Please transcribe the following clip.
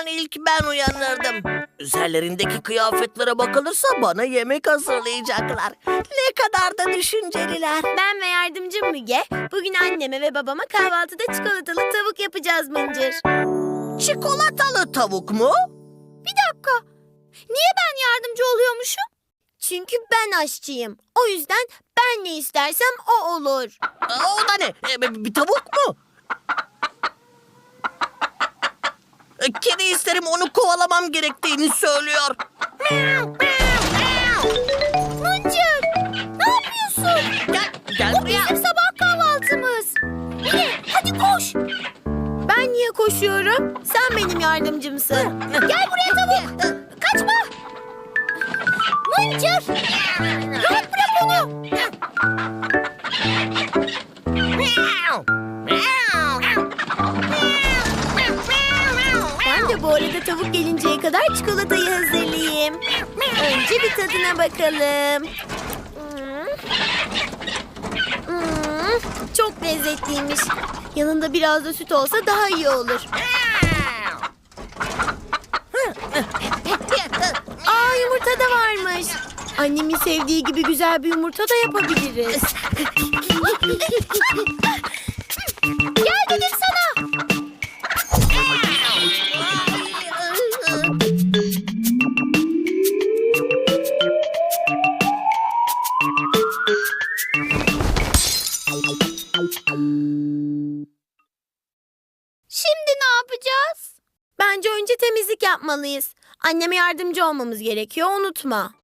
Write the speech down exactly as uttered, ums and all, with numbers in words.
zaman ilk ben uyanırdım. Üzerlerindeki kıyafetlere bakılırsa bana yemek hazırlayacaklar. Ne kadar da düşünceliler. Ben ve yardımcım Müge bugün anneme ve babama kahvaltıda çikolatalı tavuk yapacağız Mıncır. Çikolatalı tavuk mu? Bir dakika. Niye ben yardımcı oluyormuşum? Çünkü ben aşçıyım. O yüzden ben ne istersem o olur. Aa, o da ne? E, bir bir tavuk mu? E, Kedi isterim, onu kovalamam gerektiğini söylüyor. Mıncır! Ne yapıyorsun? Gel, gel Bu buraya. bizim sabah kahvaltımız. Mine hadi koş. Ben niye koşuyorum? Sen benim yardımcımsın. Gel buraya tavuk. Kaçma. Mıncır. Rahat bırak onu. Ben de bu arada tavuk gelinceye kadar çikolatayı hazırlayayım. Önce bir tadına bakalım. Hmm. Hmm, çok lezzetliymiş. Yanında biraz da süt olsa daha iyi olur. Aa, yumurta da varmış. Annemin sevdiği gibi güzel bir yumurta da yapabiliriz. Gel dedim sana. Şimdi ne yapacağız? Bence önce temizlik yapmalıyız. Anneme yardımcı olmamız gerekiyor, unutma.